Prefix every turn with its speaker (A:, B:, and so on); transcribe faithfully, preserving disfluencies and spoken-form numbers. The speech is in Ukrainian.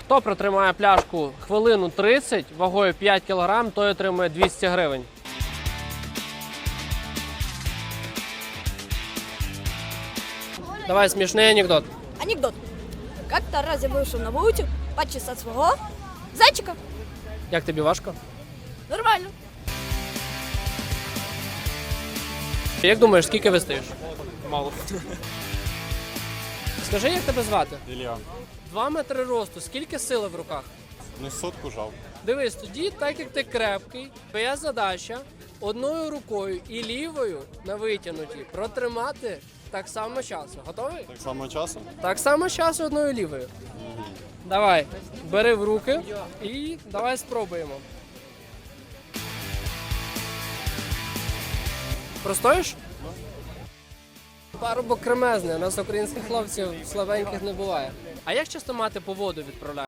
A: Хто протримає пляшку хвилину тридцять вагою п'ять кілограм, той отримує двісті гривень. Давай смішний анекдот.
B: Анекдот. Как-то раз я вышел на вулицу почесать своего зайчика.
A: Як тобі важко?
B: Нормально.
A: Як думаєш, скільки вистоїш?
C: Мало.
A: Скажи, як тебе звати?
C: Ілля.
A: Два метри росту, скільки сили в руках?
C: Ну, сотку жав.
A: Дивись, тоді, так як ти крепкий, твоя задача одною рукою і лівою на витягнуті протримати так само часу. Готовий?
C: Так само часу?
A: Так само часу одною лівою. Давай, бери в руки і давай спробуємо. Простоїш? Парубок кремезний, у нас українських хлопців слабеньких не буває. А як часто мати по воду відправляє?